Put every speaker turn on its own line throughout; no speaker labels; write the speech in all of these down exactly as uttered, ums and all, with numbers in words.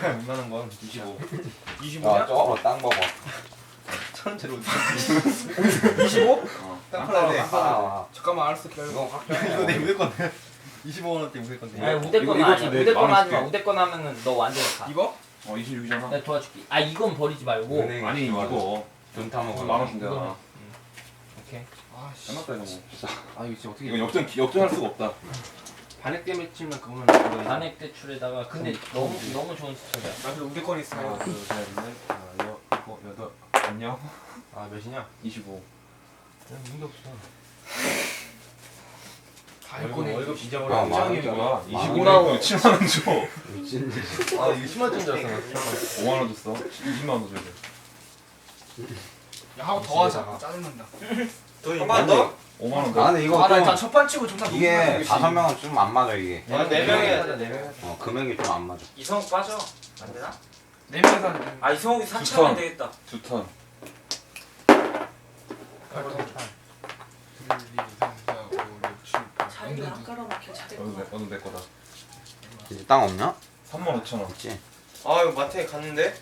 웬만한 건 이십오.
이십오냐?
저거 땅 봐봐.
천재로.
이십오?
땅 팔아야 돼.
아,
잠깐만 알았어 기다려.
이거 확
이거 내 우대 건데. 이십오 원어치 우대 건데.
아니 우대
이거-
거는
이거
아니야.
좀 내-
우대 거는
만
하지 마.
원씩
우대 거 하면은 너 완전 가.
이거?
어 이십육이잖아.
내가 도와줄게. 아 이건 버리지 말고.
은행
아니 이거
돈 타먹어.
만 원 준대잖아.
오케이.
아씨.
끝났다 이거 뭐. 진짜.
아 이거 진짜 어떻게?
이건 역전 역전할 수가 없다.
반액 때문에 치면 그거는 그거.
단액 대출에다가 근데 너무 너무 좋은 수첩이야.
나 그래도 우대권 있어.
하나, 둘, 셋, 넷, 하나, 여, 일곱, 여덟.
안녕.
아 몇이냐?
이십오.
그냥 문제 없어.
다
월급
했거네.
월급
아,
잊어버려.
만 원.
이장이 뭐야?
만
이십오 에 칠만 원 줘.
미친 듯이.
아 이거 십만 원짜리 줄 알았어.
오만 원 줬어. 이십만 원 줘야 돼.
야 하고 더 하자. 짜증난다.
한 번 더?
오만 원
아
더.
근데 이거
아, 나
좀
일단 첫판 치고 존나
이게 다섯 명은 좀 안 맞아 이게.
아, 네 명이 하자 네 명.
어 금액이 좀 안 맞아.
이성욱 빠져. 안 되나?
네 명이서 하는.
아 이성욱이
턴.
사차하면 되겠다.
두 턴.
팔 번. 둘, 이, 삼, 사, 오, 육, 칠, 팔.
자리를 안 깔아놓게
어느
잘했구나.
내 어느 내 거다.
이제 땅 없냐?
삼만 오천 원.
있지.
아 이거 마트에 갔는데.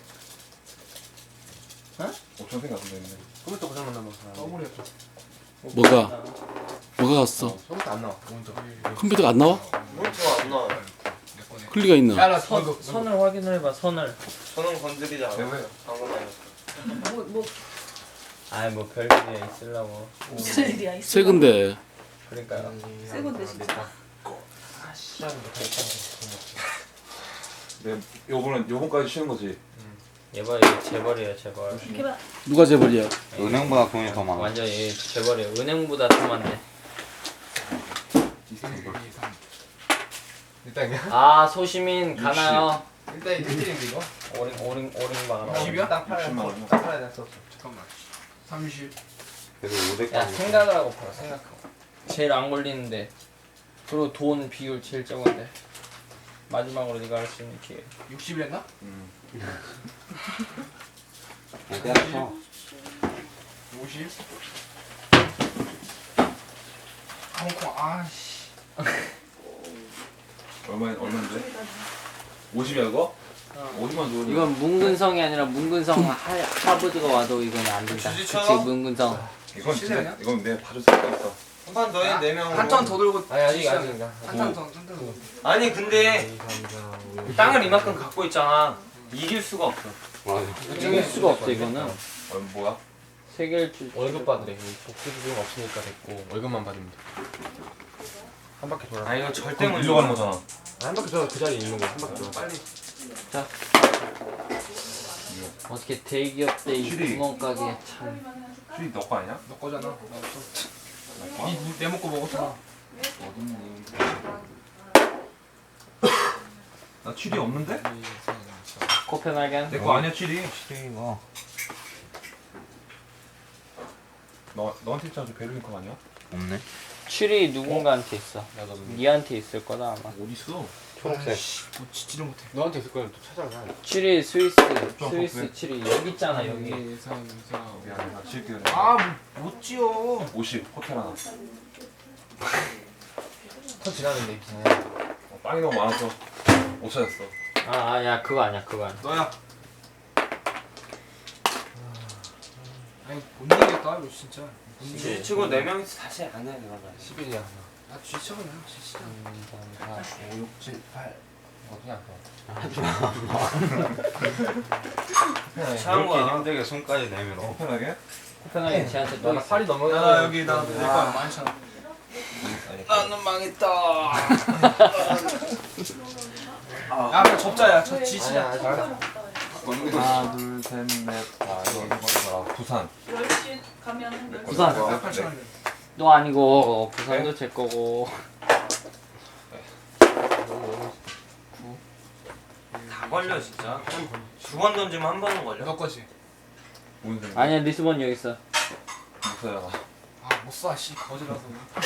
오천 생각 안 되네.
컴퓨터 고장 났나 봐.
더블이었죠.
뭐가? 뭐가 갔어?
컴퓨터 안 나와. 오른쪽.
컴퓨터가 안 나와?
오른쪽 안 나와.
내 거네.
클리가 있나?
야나
선
이거
선을 확인을 해봐. 선을.
저는 건드리지 않아요.
왜?
방금 아니었어.
뭐, 뭐
아이 뭐 별일이 있으려고.
무슨 일이야 있어.
새 건데.
그러니까요.
새 건데, 진짜.
아씨.
네 요번은 요번까지 쉬는 거지.
얘봐 얘 재벌이에요 재벌.
이렇게 봐.
누가 재벌이야?
은행보다 돈이 더 많아.
완전 얘 재벌이에요. 은행보다 더 많네.
일, 이, 삼.
일단이야.
아 소시민 가나요?
일단 일 등인데 이거.
오링 오링 오링 방.
십이야?
땅 팔아야
육십만 원이요?
땅 팔아야 됐어.
잠깐만. 삼십.
그래도 오백.
야 생각을 하고 팔아 생각하고. 제일 안 걸리는데. 그리고 돈 비율 제일 적은데. 마지막으로 네가 할 수 있는 기회.
육십이랬나?
음.
때려쳐.
오십. 홍콩 아씨.
얼마 얼마인데? 오십이야 그거? 오십만 줘.
이건 문근성이 아니라 문근성 하, 하버드가 와도 이건 안 된다. 그치
주지처럼?
문근성.
이건
실례냐?
진짜 이건 내가 봐줄 수가 있어.
한 판 더 해. 네 명.
한 턴 더 들고.
아니 아직 아직.
한턴 더. 한턴 더.
아니 근데 땅을 이만큼 갖고 있잖아. 이길 수가 없어.
맞아.
이길 수가 없어 이거는.
어, 뭐야?
세 개를 줄.
월급 받으래. 복수 비용 없으니까 됐고 월급만 받으면 돼. 한 바퀴 돌아.
아 이거 절대 못
일로 가는 거잖아.
한 바퀴 돌아 그 자리에 있는 거야. 한 바퀴 돌아. 빨리.
어떻게 대기업 때 이
실이.
구멍가게 참.
수익 너거 아니야?
너 거잖아. 나 없어. 니내 먹고 먹었잖아.
어딨니? 나 취리 없는데?
코펜하겐.
내 거 아니야 취리.
이거.
너 너한테 있잖아 저 베르니컵 아니야?
없네.
칠이 누군가한테 있어.
나도
니한테 있을 거다 아마.
어디 있어?
초록색.
뭐 지지를 못해.
너한테 있을 거야. 또 찾아라.
칠이 스위스 스위스
왜?
칠이 여기 있잖아 여기.
이, 삼, 사, 오.
미안해 나 칠게.
아못 지어.
오십 호텔 하나.
턴 지나는데 이상해.
어, 빵이 너무 많아서 못 찾았어.
아야 그거 아니야 그거 아니야.
너야. 아니 못 이기겠다 이거 진짜.
주지치고 네 명이서 다시 안 해. 그러면.
십일이야.
나 쥐쳐 그냥 진짜.
삼, 사, 오, 육, 칠, 팔. 어디야 그거.
차은
이렇게
거야.
힘들게 손까지 내밀어.
편하게?
코펜하겐 쟤한테 또
나
있어.
팔이 넘어.
나 여기 나 내 거 많잖아.
나는 망했다.
야 그냥 접자야. 저 지치자.
하나 둘셋넷 다 이거 부산.
열 시 가면 한 열 시.
부산.
나 팔천 원.
너 아니고 부산도 제 거고.
다 걸려 진짜. 두 번 던지면 한 번은 걸려.
너 거지.
무슨 소리야?
아니야 리스본 여기 있어.
목사야.
아못 쏴. 씨 거지라서.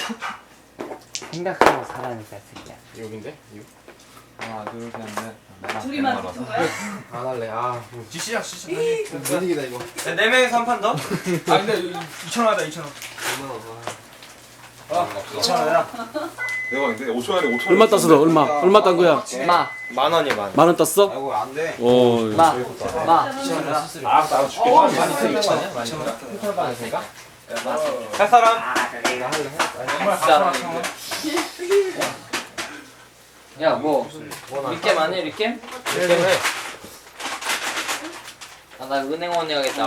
생각하고 살아니까 새끼야.
여긴데?
하나 둘셋넷
둘이만 붙은 거야?
안 할래. 아.
지치자 지치자. 다시.
못 이기다 이거.
야, 네 명이서 한 판 더?
아 근데 이천 원 하자 이천 원.
얼마나 더.
아 이천 원이야.
대박인데 오천 원에 오천 원.
얼마 땄어 너? 얼마? 얼마 딴 거야?
마. 만 원이 만 원.
만 원 땄어?
아이고 안돼.
어.
마. 마.
알았어 알았어 줄게.
어,
많이
많이
많이
쓰는 거 아니야? 많이 쓰는 거? 핑크를 받았으니까? 할 사람?
사람. 야, 뭐 리겜 안 해? 리겜?
이렇게 해.
아, 나 은행원 해야겠다.